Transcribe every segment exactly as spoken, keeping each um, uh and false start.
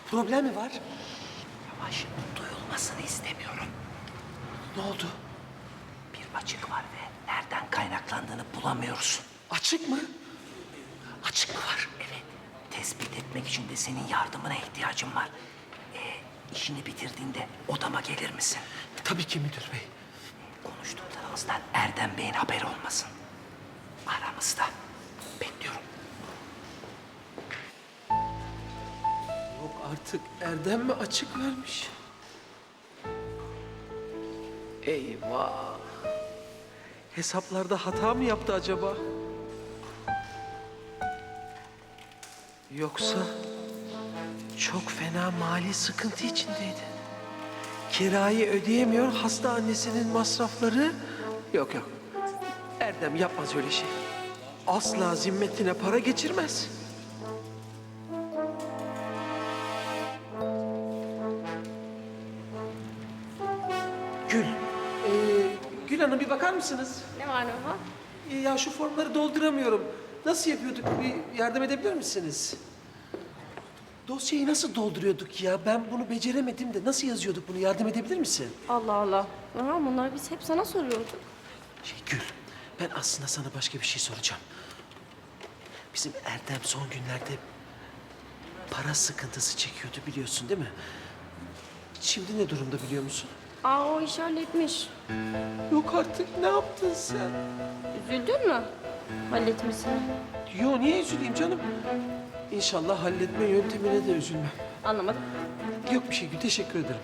Problem mi var? Yavaş, duyulmasını istemiyorum. Ne oldu? Bir açık var ve nereden kaynaklandığını bulamıyoruz. Açık mı? Açık mı var? Evet, tespit etmek için de senin yardımına ihtiyacım var. Ee, işini bitirdiğinde odama gelir misin? Tabii ki müdür bey. Konuştuklarımızdan Erdem Bey'in haberi olmasın. Aramızda. Bekliyorum. Yok artık Erdem mi açık vermiş? Eyvah. Hesaplarda hata mı yaptı acaba? Yoksa çok fena mali sıkıntı içindeydi. Kirayı ödeyemiyor, hasta annesinin masrafları... Yok yok, Erdem yapmaz öyle şey. Asla zimmetine para geçirmez. Gül, ee, Gül Hanım bir bakar mısınız? Ne var ne var? Ee, ya şu formları dolduramıyorum. Nasıl yapıyorduk? Bir yardım edebilir misiniz? Dosyayı nasıl dolduruyorduk ya? Ben bunu beceremedim de nasıl yazıyorduk bunu? Yardım edebilir misin? Allah Allah. Aha, bunları biz hep sana soruyorduk. Şey Gül, ben aslında sana başka bir şey soracağım. Bizim Erdem son günlerde para sıkıntısı çekiyordu biliyorsun değil mi? Şimdi ne durumda biliyor musun? Aa o iş halletmiş. Yok artık, ne yaptın sen? Üzüldün mü? Halletmesine. Yo, niye üzüleyim canım? İnşallah halletme yöntemine de üzülmem. Anlamadım. Yok bir şey Gül, teşekkür ederim.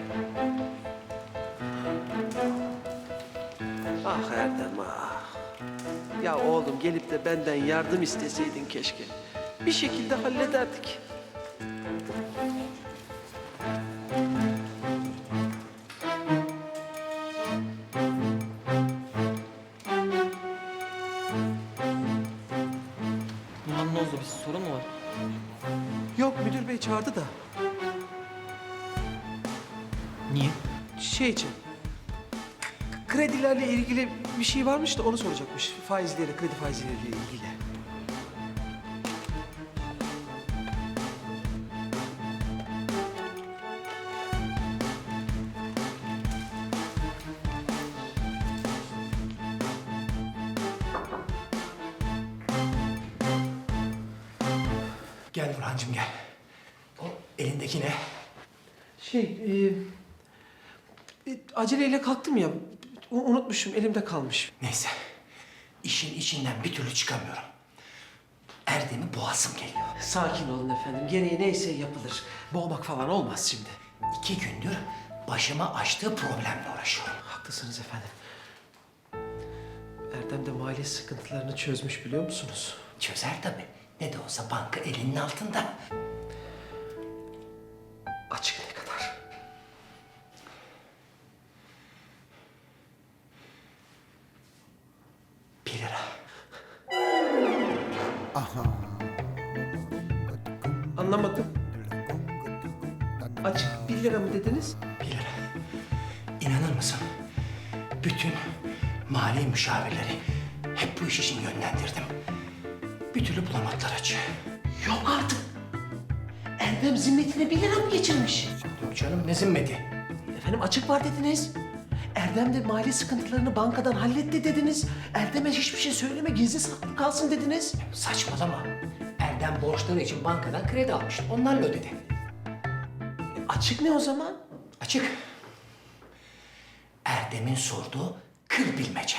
Ah Erdem ah. Ya oğlum gelip de benden yardım isteseydin keşke. Bir şekilde hallederdik. Numan ne oldu? Bir sorun mu var? Yok müdür bey çağırdı da. Niye? Şey için. Kredilerle ilgili bir şey varmış da onu soracakmış. Faizleri, kredi faizleriyle ilgili. Gel Burhancığım gel. O elindeki ne? Şey, e, e, aceleyle kalktım ya. U- Unutmuşum, elimde kalmış. Neyse. İşin içinden bir türlü çıkamıyorum. Erdem'i boğazım geliyor. Sakin olun efendim. Gereği neyse yapılır. Boğmak falan olmaz şimdi. İki gündür başıma açtığı problemle uğraşıyorum. Haklısınız efendim. Erdem de mali sıkıntılarını çözmüş biliyor musunuz? Çözer tabii. Ne de olsa banka elinin altında. Açık ne kadar? Bir lira. Anlamadım. Açık bir lira mı dediniz? Bir lira. İnanır mısın? Bütün mali müşavirleri hep bu iş için yönlendirdim. Bir türlü bulamadılar açığı. Yok artık. Erdem zimmetine bir lira mı geçirmiş? Yok canım ne zimmeti? Efendim açık var dediniz. Erdem de mali sıkıntılarını bankadan halletti dediniz. Erdem'e hiçbir şey söyleme, gizli saklı kalsın dediniz. Saçmalama. Erdem borçları için bankadan kredi almıştı. Onlarla ödedi. E, açık ne o zaman? Açık. Erdem'in sorduğu kır bilmece.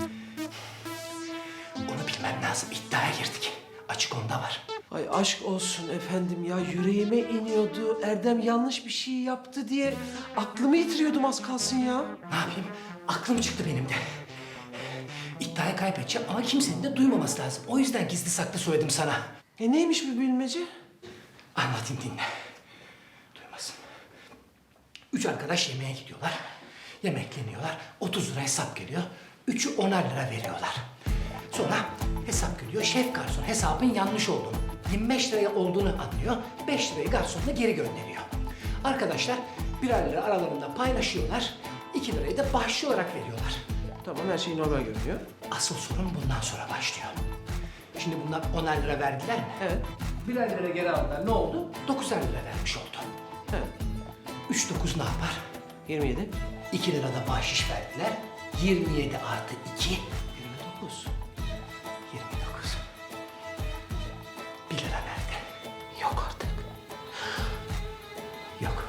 Onu bilmem lazım. İddiaya girdik. Açık onda var. Ay aşk olsun efendim ya, yüreğime iniyordu. Erdem yanlış bir şey yaptı diye aklımı yitiriyordum az kalsın ya. Ne yapayım? Aklım çıktı benim de. İddiayı kaybedeceğim ama kimsenin de duymaması lazım. O yüzden gizli saklı söyledim sana. E neymiş bu bilmece? Anlatayım dinle. Duymasın. Üç arkadaş yemeğe gidiyorlar. Yemekleniyorlar. otuz lira hesap geliyor. Üçü onar lira veriyorlar. Sonra hesap geliyor. Şef garson hesabın yanlış olduğunu, yirmi beş liraya olduğunu anlıyor. beş lirayı garsonuna geri gönderiyor. Arkadaşlar birer lira aralarında paylaşıyorlar. iki lirayı da bahşiş olarak veriyorlar. Tamam, her şey normal görünüyor. Asıl sorun bundan sonra başlıyor. Şimdi bunlar onar lira verdiler mi? Evet. Birer lira geri aldılar. Ne oldu? Dokuzer lira vermiş oldu. He. Üç dokuz ne yapar? yirmi yedi. İki lira da bahşiş verdiler. Yirmi yedi artı iki. Yirmi dokuz. Yirmi dokuz. Bir lira nerede? Yok artık. Yok.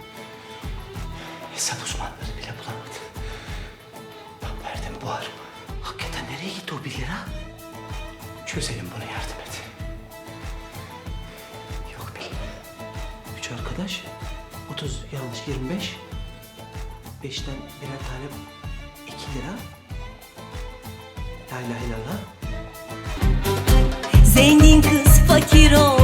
Hesap uzmanları bile bulamadı. Ben verdim bu arım. Hakikaten nereye gitti o bir lira? Çözelim bunu, yardım et. Yok bir lira. Üç arkadaş. otuz yanlış yirmi beş. Beşten birer tane iki lira. La ilahe illallah. Zengin kız fakir ol